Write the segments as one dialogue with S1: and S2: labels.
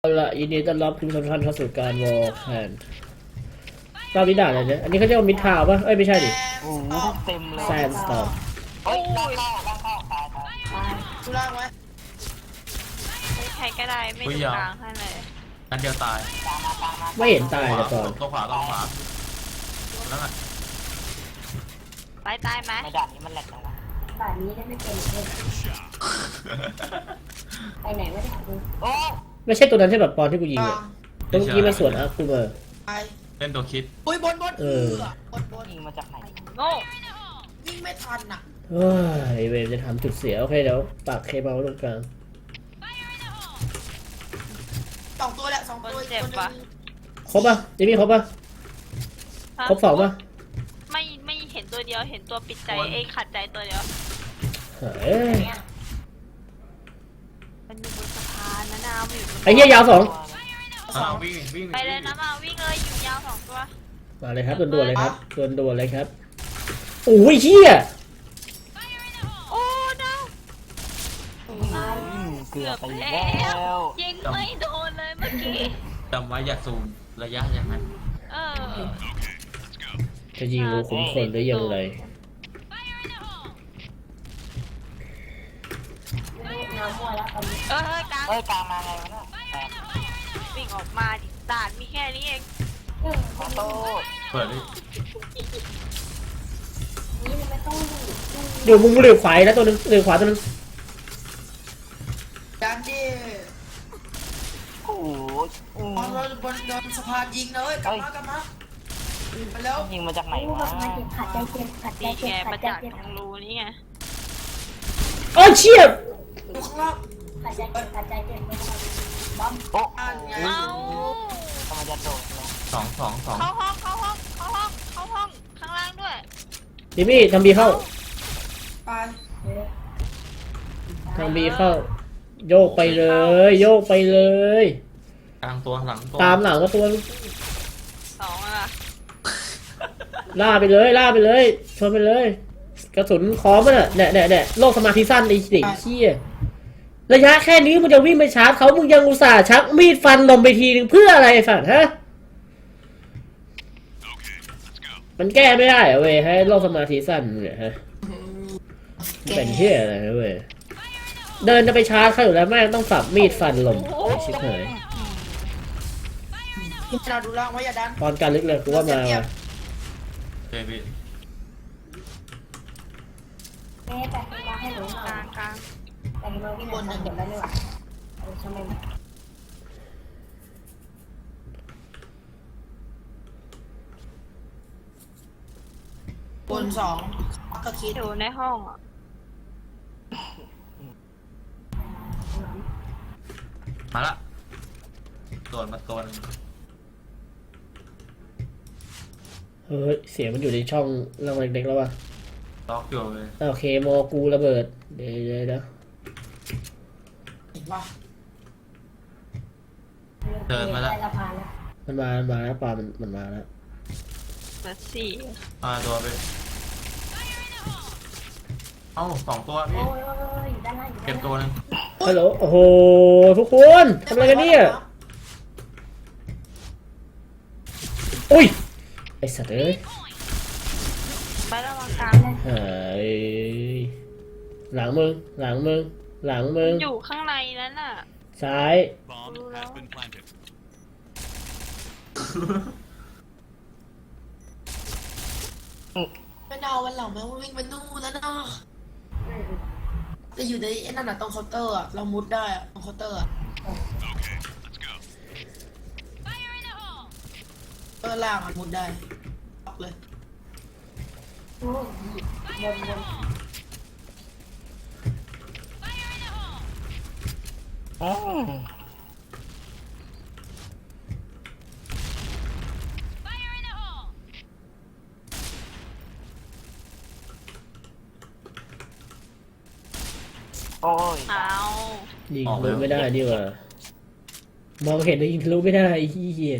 S1: เอาละยินดีต้อนรับทุกท่านเข้าสู่การวอลแคนรอบนี้ด่าอะไรเนี่ยอันนี้เขาเรียกว่ามิดทาวป่ะเอ้ยไม่ใช่ดิ
S2: โอ้โหเต็มเลย
S1: แซนสตอร์ม
S2: เฮ้ยล่างเข้าตาย
S3: กูล่างไว้
S4: ใครก็ได้ไม่ดูกลางให้เลย
S5: นัดเดียวตาย
S2: ตามมา
S1: ไม่เห็นตายแต่ก่อน
S5: ตัวขวาตัวขวาแล้วไง
S4: ไปตายไหม
S2: ไม่ด่านนี้มันแหลกแล้วนะ
S3: ป่านนี้ได้ไม่เป็นเลยไปไหนไม่ได้กู
S2: โอ้
S1: ไม่ใช่ตัวนั้นใช่แบบปอนที่กูยิงอ่ะตัวเมื่อกี้มาสวนอ่ะกูมา
S3: ไป
S5: เล่นตัวคิด
S3: อุ้ยบนบนบน
S2: ยิงมาจากไหน
S4: โง่
S3: วิ่งไม่ทันอ่ะ
S1: เฮ้ยเวรจะทำจุดเสียโอเคเดี๋ยวปักเคเบิลตรงกลาง
S3: สองตัวแหละสองตัวอีกตัวนึง
S1: ครบป่ะจิมมี่ครบป่ะครบสองป่ะ
S4: ไม่เห็นตัวเดียวเห็นตัวปิดใจเองขัดใจตัวเดียว
S1: เฮ้ย
S4: มันอยู่บนสะพานนะนาวอยู่บน
S1: ไอ้เหี้ยยาวสอง
S5: วิ่ง
S4: ไปเลยนะมาวิ่งเลยอยู่ยาวสองตัว
S1: มาเลยครับด่วนๆเลยครับด่วนๆเลยครับโอ้ยเหี้ย
S4: โอ้นาว
S2: เกือบไป
S4: แล้
S2: แล้ว ว
S4: ยิงไม่โดนเลยเมื่อกี้
S5: จำไว้อย่าซูมระยะอย่างนั้น
S4: เออ
S1: จะยิงรูขุมขนได้ยังไง
S3: น้ำมัวแล้วตอนนี้
S4: เฮ้ยกลาง
S2: เฮ้ยกลางมาไงวะเนี่ยแตก
S4: วิ่งออกมาดิด่านมีแค่นี้เอง
S2: ขอโทษ
S5: เปิดดิ
S3: นี่ไม่ต้อง
S1: อยู่มุมเหลือบขวาแล้วตัวนึงเหลือบขวาตัวนึง
S3: ดันดิ
S2: โอ้โห
S3: บอลเราบนโดนสะพานยิงเลยกลับมากลับมาไปแล้ว
S2: ยิงมาจากไหนวะ
S3: ขัดใจเจ็บขัดใจ
S4: ดี
S3: เจ็
S4: แก
S3: บ
S4: มา
S3: ขัดใจ
S4: จาก
S3: เจ็บ
S4: ตรงรูนี่ไง
S1: โอ้ยเชี่ย
S3: ดูข้างล่างขัดใจเจ็บขัดใจเจ็บบ๊อบ
S2: โอ้
S3: อ่านไง
S4: เอ้า
S2: ทำไมจะโดดลง
S5: สอง
S4: เข้าห้องเข้าห้องเข้าห้องเข้าห้องข้างล่างด้วย
S1: จิมมี่ทำบีเข้า
S3: ไป
S1: ทางบีเข้า โยกไปเลย โยกไปเลย
S5: กลางตัวหลังตัว
S1: ตามหลังก็ตัว
S4: สองอะ
S1: ล่าไปเลยล่าไปเลยชนไปเลย กระสุนคอมันอ่ะเนี่ยโลกสมาธิสั้นไอ้เด็กเชี่ยระยะแค่นี้มึงจะวิ่งไปชาร์จเขามึงยังอุตส่าห์ชักมีดฟันลมไปทีนึงเพื่ออะไรไอ้สัตว์ฮะมันแก้ไม่ได้เหรอเว้ยให้โลกสมาธิสั้นเนี่ยฮะเป็นเชี่ยอะไรนะเว้ยเดินจะไปชาร์จเขาอยู่แล้วแม่งต้องสับมีดฟันลมไอ้ชิบหาย
S3: พิจารณาดูล่างไว้อย่าดัน
S1: ตอนการลึกเลยกูว่ามาว่ะ
S5: เจพี่
S3: แม่แต่มาให้หนูหน่
S4: ก
S3: อ
S4: ลาย งกลาง
S3: แต่มาวิ่งบนหนึ่งเดี๋ยวได้ไม่ไหวทำไมบนสองก็คิด
S4: อยู่ในห้องอ่ะ
S5: มาละโดดมาตัวนึง
S1: เฮ้ยเสียงมันอยู่ในช่องเราเล็กๆแล้ววะ
S5: ล็อกอยู่เลย
S1: โอเคโมกูระเบิดเดี๋ยวเดี๋ยว
S3: เห็นป่ะ
S5: เดินมาละ
S1: มันมาแล้วปลามันมาแล้ว
S4: เหลือสี่
S5: มาตัวไปเอ้าสองตัวพี่
S3: โอ้ยอยู่ด้านล่างอยู่
S5: เก็บตัวนึง
S1: ฮัลโหลโอ้โหทุกคนทำอะไรกันเนี่ยอุ้ยไอสัตว์เอ้ย
S4: ไประวังกลาง
S1: เฮ้ยหลังมึงหลังมึงหลังมึง
S4: อยู่ข้างในนั้นน่ะ
S1: ซ้าย
S4: รู้แล้ว
S3: ไม่เอาวันหลังแม่งวิ่งไปนู่นแล้วนะจะอยู่ในไอ้นั่นน่ะตรงเคาน์เตอร์อ่ะเรามุดได้อ่ะตรงเคาน์เตอร์อ่ะล่างอ่ะมุดได้ออกเลย
S2: โอ้ย
S4: เอา
S1: ยิงทะลุไม่ได้ดีกว่ามองเห็นแต่ยิงทะลุไม่ได้ไอ้เหี้ย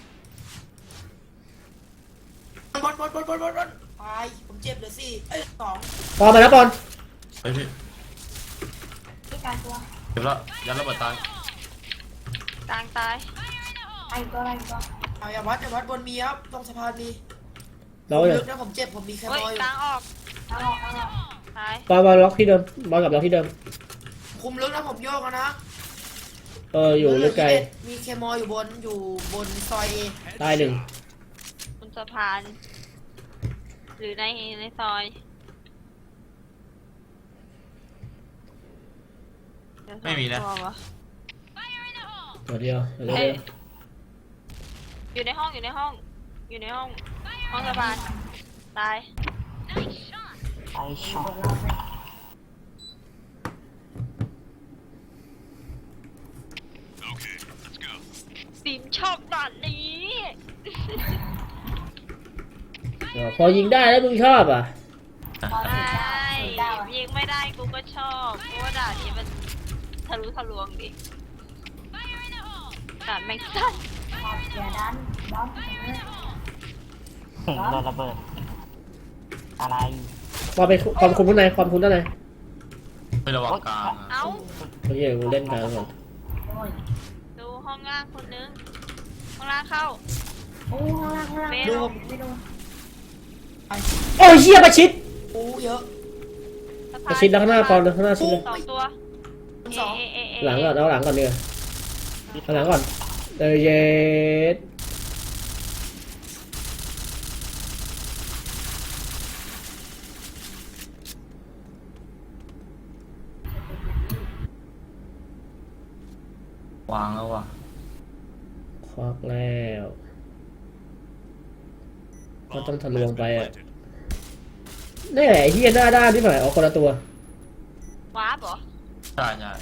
S3: บอลไปผมเจ็บเลยสิเอ้ยสอง
S1: ปอนมาแล้วปอน
S5: เฮ้ยพี่
S3: ที่การตัว
S5: เก็บแล้วยันระเบิดตาย
S4: กลางตาย
S3: เอาอย่าวัดบนมีครับตรงสะพานมี
S1: เรา
S3: ผม
S1: เนี่ย
S3: ลึกนะผมเจ็บผมมีแค่
S4: เฮ้ย
S3: มออยู่
S4: กลางออกตาย
S1: บอลล็อกที่เดิมบอลกลับล็อกที่เดิม
S3: คุมลึกนะผมโยกแล้วนะ
S1: อยู่ลึกไกล
S3: มีเคมออยู่บนซอยเอ
S1: ตายหนึ่ง
S4: บนสะพาน หรือในซอยเดี๋ยว
S5: ไม่มีนะ
S4: ตัวว
S1: ตัวเดียว
S4: เฮ้ยอยู่ในห้องห้องสะพานตาย
S2: ไอช็อต
S4: สิมชอบด่านนี้
S1: พอยิงได้แล้วมึงชอบอ่ะ
S4: ไม่ยิงไม่ได้กูก็ชอบเพราะว่าด่านนี้มันทะลุทะลวงดิด่านแม่งสั้น
S2: โดนระเบิดอะไร
S1: ความคุมข้างในความคุมด้านใน
S5: ไประวังกลางอะ
S4: เอ้า
S1: เมื่อกี้กูเล่นกลางก่อน
S4: ดูห้องล่างคนนึงห้องล่างเข้าเม
S3: ดู
S4: ล
S1: โอ้ยเหี้ยประชิด
S3: โอ้เยอะ
S1: ประชิดแล้วข้างหน้าปอนข้างหน้าชิดเลย
S4: สองตัว
S3: สอง
S1: หลังก่อนเอาหลังก่อนเนีกว่ยเอาหลังก่อนเย็ด
S5: วางแล้วว่ะ
S1: ควักแล้วก็ต้องทะลวงไปอ่ะนี่ไอ้เหี้ยหน้าด้านที่หน่อยเอาคนละตัว
S4: วาร์ปเหรอ
S5: ใช่ใช่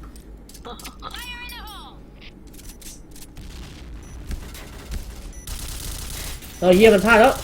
S1: เหี้ยมันพลาดแล้ว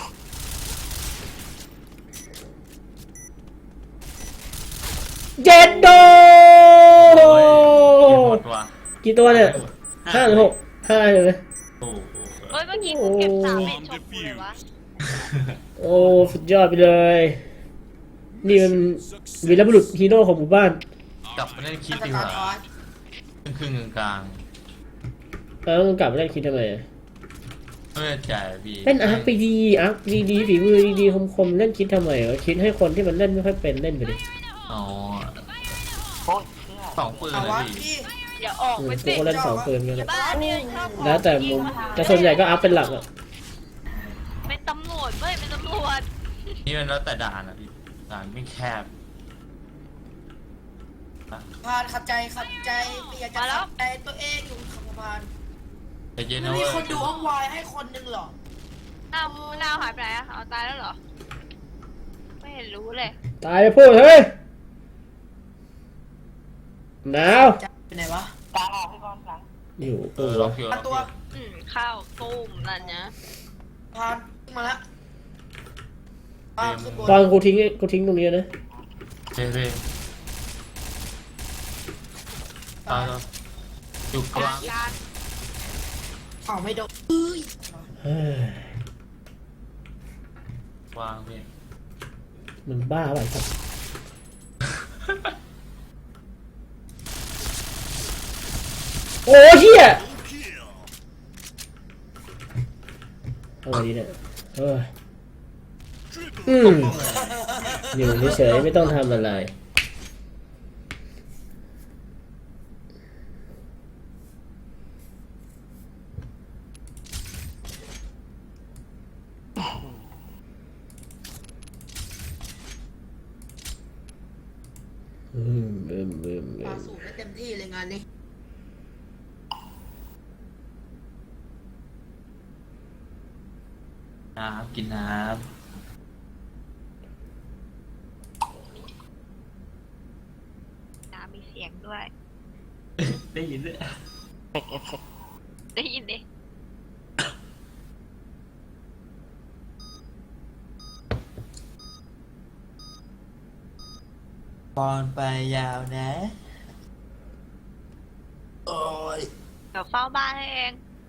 S1: เจ็ดโด
S5: โอ้ยหมดว่ะ
S1: กี่ตัวเนี่ยห้าหรือหกห้าเลย
S5: โอ้โห
S4: เฮ้ยเมื่อกี้กูเก็บ3เม็ดชมพูเลยวะ
S1: โอ้สุดยอดไปเลย นี่มันวีรบุรุษฮีโร่ของหมู่บ้าน
S5: กลับมาเล่นคิด
S3: อัต
S5: ดีก
S3: รา
S5: ว่า
S3: ทอส
S5: ครึ่งกลาง
S1: แล้วมึงกลับมาเล่นคิดทำไมอะ
S5: ๆไม่ได้จ่ายพี่
S1: เล่นอาร์คดีอาร์คดีฝีมือดีคมๆเล่นคิดทำไมวะคิดให้คนที่มันเล่นไม่ค่อยเป็นเล่นไปดิ
S5: อ๋อ
S2: โอ้ยเชื่อ
S5: สองปืน
S3: เอา
S5: เล
S3: วะ
S5: ยพี่
S3: พี่
S4: อย่าออก
S1: กู
S4: ไปสิ
S1: ก็เล่นสองปืนกันแหละ
S4: บ้านเนี่ยชอบออก
S1: แล้วแต่มุมแต่ส่วนใหญ่ก็อาร์คเป็นหลักอ่ะ
S4: เป็นตำรวจเว้ยเป็นตำรวจ
S5: นี่มันแล้วแต่ด่านอะพี่ด่านไม่แคบ
S3: พานขับใจไม่อยากจะขับใจตัวเองอยู่ขับสะพาน
S5: แต่เย็น
S3: ไม่
S5: นะ
S3: มี
S5: เว้ย
S3: คนดูห้องวายให้คนนึงหรอ
S4: อ้าวดาวหายไปไหนอะเอาตายแล้วเหรอ ไม่เห็นรู้เลย
S1: ตายไปพูดเฮ้ยหนาว
S3: จะไปไหนวะ
S2: กลางออกให้ก่อนหลัง
S1: อยู่
S5: ล็อกอยู่ล็อกอ
S3: ตัว
S5: ยู่
S4: ข้าวตุ้มนั่นนะ
S3: พานขึ้นมาแล้วขึ้นบน
S1: ตอนกูทิ้งตรงนี้นะ
S5: เฮ้ยตายแล้วอยู่กลาง
S4: การ
S3: เอาไม่โดนเอ้ย
S1: เฮ้ยว
S5: างพี่
S1: มึงบ้าไปครับโอ้เฮียอะไรดีเนี่ยอยู่เฉยๆไม่ต้องทำอะไร
S3: ปาสูงได้เต็มที่เลยงานนี้
S5: น้ำกินน้
S4: น้ำมีเสียงด้วย
S5: ำได้ยินด้วย
S2: เฟกเอฟเฟก
S4: ได้ยินดิ
S5: บอลไปยาวนะ
S3: โอ้ย
S4: เดี๋ยวเฝ้าบ้านให้เอง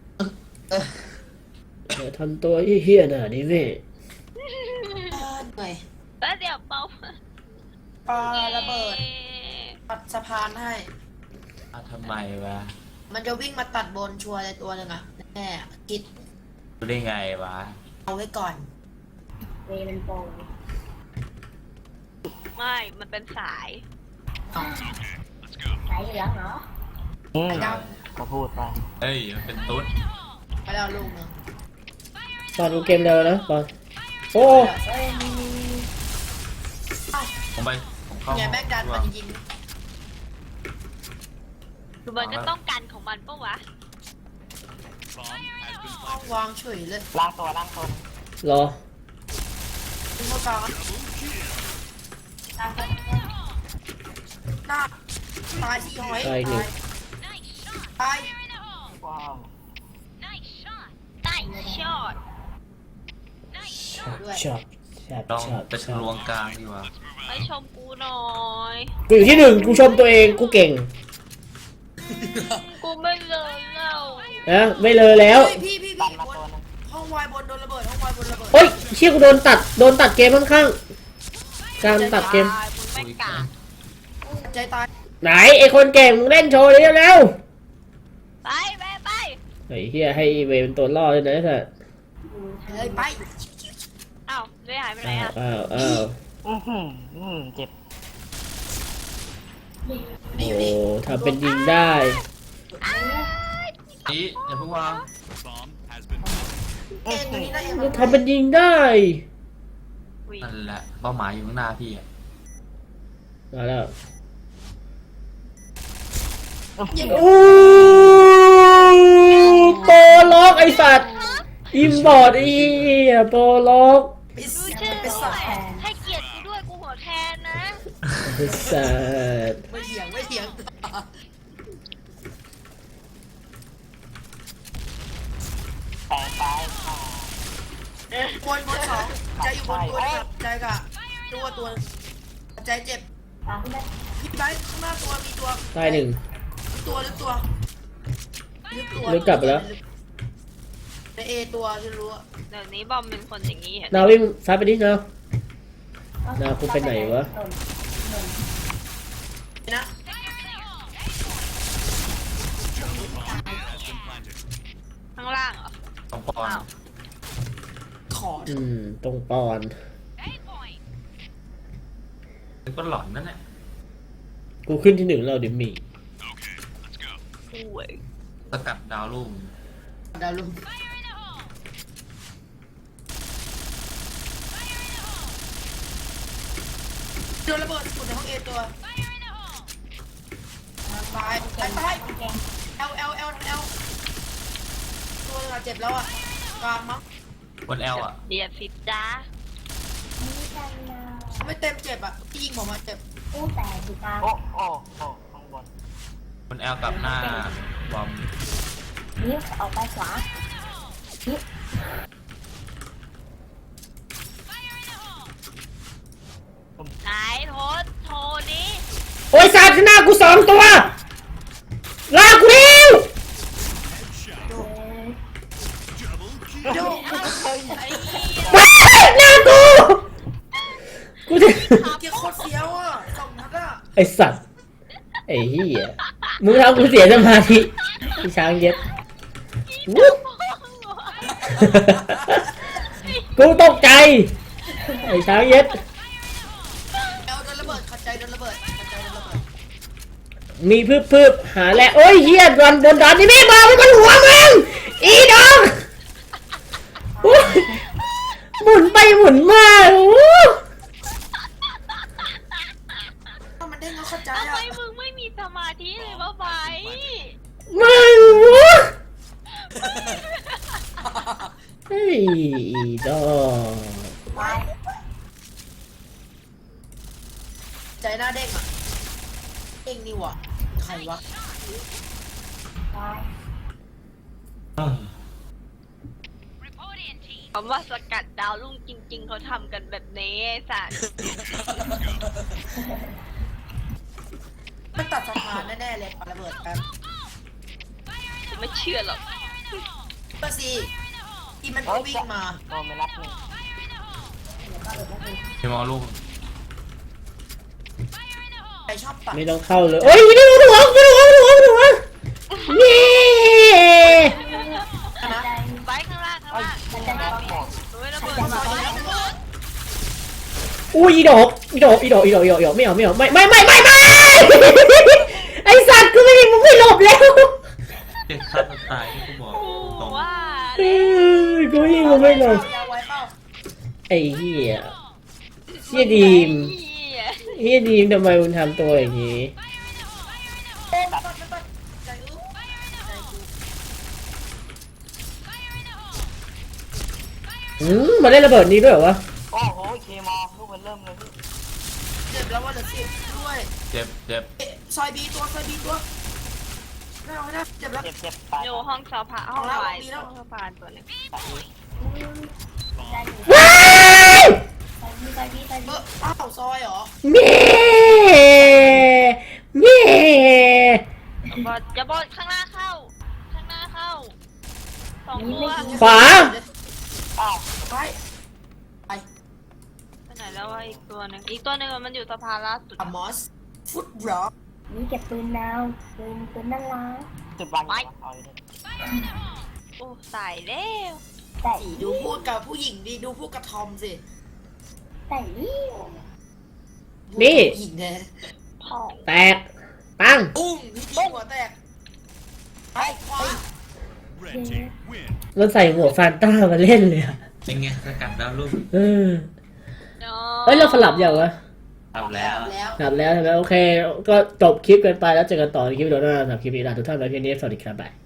S1: อย่าทำตัวเฮี้ยๆน่ะนี่นี่
S3: เหนื่อย
S4: แล้วเดี๋ยวเฝ้า
S3: ปาระเบิดปัดสะพานให้
S5: ทำไมวะ
S3: มันจะวิ่งมาตัดบนชัวร์เลยตัวหนึ่งอะแน่คิด
S5: ดูได้ไงวะ
S3: เอาไว้ก่อน
S4: ไม่ มันเป็นสาย
S2: อืม
S3: ไอ้ด
S2: ก็พูดไป
S5: เอ้ยมันเป็นตุ๊ด
S3: ำไปแล้วลูกหนึง
S1: ตอนดูเกมเร็วนะบอลโอ้
S3: เอ้ยมีเอ้า
S5: ผมเข้า
S3: เนี่ยแม่งดันมันยิง
S4: คือมันก็ต้องกันของมันปะวะ
S3: ห้องวางเฉยเลย
S2: ล่างตัว
S1: รอ
S3: ยิงเข้ากลางอะหน้าตายที่หอย
S1: ตายหนึ่ง
S3: ตาย
S2: ว้าว
S4: ได้ช็อต
S1: ช็อตช็อต
S5: ลอง
S1: ช็อต
S5: ไปทะลวงกลางดีกว่า
S4: ไปชมกูหน่อย
S1: กูอยู่ที่หนึ่งกูชมตัวเองกูเก่ง
S4: กูไม่เลยเล่า
S1: นะไม่เลยแล้ว
S3: เฮ้ยพี่
S2: ดันมา
S3: บ
S2: ตัวน นึง
S3: ห้องวายบนโดนระเบิดห้องวายบนระเบิด
S1: โอ้ยเชี่ยกูโดนตัดเกมข้างๆการตัดเกม
S4: ตายมึงไม่กล้า
S3: ใจตาย
S1: ไหนไอคนเก่งมึงเล่นโชว์เลยเร็ว
S4: ไปไปไป
S1: ไอ้เฮียให้เวเป็นตัวล่อเลยนะไอ้สัส
S3: เฮ้ยไป
S4: เอ้าได้หายไปไหนอ่ะ
S1: อ้าว
S2: เจ็บ
S3: นี่อยู่
S1: โอ้
S3: นี่
S1: ทำเป็นยิงได้
S5: นี่อย่าเพิ่งวาง
S3: เอ็นอยู่นี่นะเอ็น
S1: ทำเป็นยิงได้
S4: อุ๊ย
S5: นั่นแหละเป้าหมายอยู่ข้างหน้าพี่อะ
S1: มาแล้ว
S3: ยิง
S1: โอ้โปรล็อกไอสัตว์อิมบอร์ดไอ้เหี้ยโปรล็อก
S3: ปิด
S4: ดู
S3: เสียง
S4: ชื่อ
S3: ไป
S4: ด้
S3: สั
S4: ว
S3: ต
S4: ย
S3: ว์
S4: ให้เกียรติกูด้วยกูหัวแทนนะ
S1: ไอ้สัตว์
S3: ไม่เถียงไม่เถียง
S2: แต่ตายค่ะ
S3: บนสองใจอยู่บนตัวนะครับใจกะตัวใจเจ็บพี่ไบค์ข้างหน้าตัวมีตัว
S1: ตายหนึ่ง
S3: ลึกตัว
S1: ลึกกลับไปแล้ว
S3: ในเอตัวฉันรู้อะ
S4: เดี๋ยวนี้บอมเป็นคนอย่างนี้เหรอ
S1: นาวิ่งซ้ายไปดินานาคุณไปไหนวะ
S3: นะ
S4: ข้างล่างเหรอ
S5: ต้องปอน
S4: อ้าว
S3: ขอ
S1: ตรงปอน
S5: มันก็หลอนนั่นแหละ
S1: กูขึ้นที่หนึ่งแล้วดิมี่
S4: กูเว้ย
S5: สกัดดาวรุ่ง
S3: ดาวลุงโดนระเบิดฝุ่นในห้องเอตัวตายเอลตัวนึงอะเจ็บแล้วอะกลางมั้ง
S5: บนแอลอ่ะ
S4: เดียดสิจ้า
S3: ไม่เต็มเจ็บอะที่ยิงผมอะเจ็บ
S2: โอ้ข้างบน
S5: บนแอลกับหน้าบอม
S4: ไหนโทรนี้
S1: โอ้ยสัตว์ข้างหน้ากูสองตัวลากกูเร็ว
S3: โยก
S4: ไอ้เหี้ย
S1: ไปหน้ากูกูจะ
S3: เกียร์โคตรเสียวอะสองนัดอะ
S1: ไอสัตว์ไอ้เหี้ยมึงทำกูเสียสมาธิพี่ช้างเย็ดวุ๊บกูตกใจไอ้ช้างเย็ด
S3: เอลโดนระเบิดขัดใจโดนระเบิด
S1: มีพืบหาแหละโอ้ยเหี้ยดันนี่ไม่มาไม่มันหัวมึงอีดองโอ้ยหมุนไปหมุนมาโอ้
S3: ถ้ามันได้เงาเข้าใจ
S4: ทำไม
S3: อะ
S4: มึงไม่มีสมาธิเลยวะไบ
S1: มึงวะเฮ้ยอีดอง
S3: ใจหน้าเด้งอะเด้งนี่หวะใครวะ
S4: คำว่าสกัดดาวรุ่งจริง ๆเขาทำกันแบบนี้ไอ้สัตว์
S3: มันตัดสะพานแน่ๆเลยปาระเบิดแป๊บ
S4: กูไม่เชื่อหรอก
S3: ก็สิที่มันก็วิ่งมา
S2: โดนไม่รับหนึ่ง
S5: พี่มองลูก
S3: ใครชอบตัด
S1: ไม่ต้องเข้าเลยโอ้ยไม่ได้หัวเย้
S3: นะ
S4: ไปข้างล่างข้างล่าง
S2: มันจะได้บอก
S4: โอ้ยระเบิดมา
S1: อุ้ยอีดอกไม่เอาไอสัตว์กูไม่หลบแล้ว
S5: เด็กฆ่าตัวตายที่กูบอกตรง
S4: ว่า
S1: กูยิงมันไม่หลบ
S3: ยาวไว้เปล่า
S1: ไอ้เหี้ยเหี้ยดีม
S4: เหี้ย
S1: เฮียดีมทำไมมึงทำตัวอย่างนี้
S3: ใจอู้ใจกู
S1: มาได้ระเบิดนี้ด้วยเหรอวะ
S2: โอ้โหเคมอลูกมันเริ่มเลยพี่
S3: เจ็บแล้วว่าเหลือสิบด้วย
S5: เจ็บเจ็บ
S3: ซอยบีตัวไม่เอาไม่ได้เจ็บแล้ว
S2: เจ็บตาย
S4: อยู่ห้องสภาห้องไฟห้องสภาตัวนึง
S1: ว้าย
S3: อ้าวซอยเหรอ
S1: เม่เม่
S4: อย่าบอลข้างหน้าเข้าสองตัว
S1: ขวา
S2: อ้าว
S3: ไปไป
S4: ไปไหนแล้ววะอีกตัวหนึ่งมันอยู่สภาล่าสุด
S3: อะมอสฟุตบล็อก
S6: นี่เก็บปืนดาวปืนน่ารัก
S2: จุดวางเอาเลย
S4: โอ้ตายแล้ว
S6: แต่
S3: ดูพูดกับผู้หญิงดิดูพูดกับทอมสิ
S6: แต่นี่
S3: ผู้หญิงเนี่ย
S6: พอ
S1: แตกปัง
S3: ปุ้งนี่หัวแตกไปขวา
S1: มันใส่หมวกซานต้ามาเล่นเลยอะ
S5: เป็นไงสกัดดาวรุ่ง
S1: เฮ้ยเราสลับอย่างวะ
S5: ทำแล้ว
S3: แล้ว
S1: สลับแล้วใช่ไหมโอเค ก็จบคลิปกันไปแล้วเจอกันต่อในคลิปวิดีโอหน้าสำหรับคลิปนี้ลาทุกท่านไว้เพียงนี้สวัสดีครับบ๊าย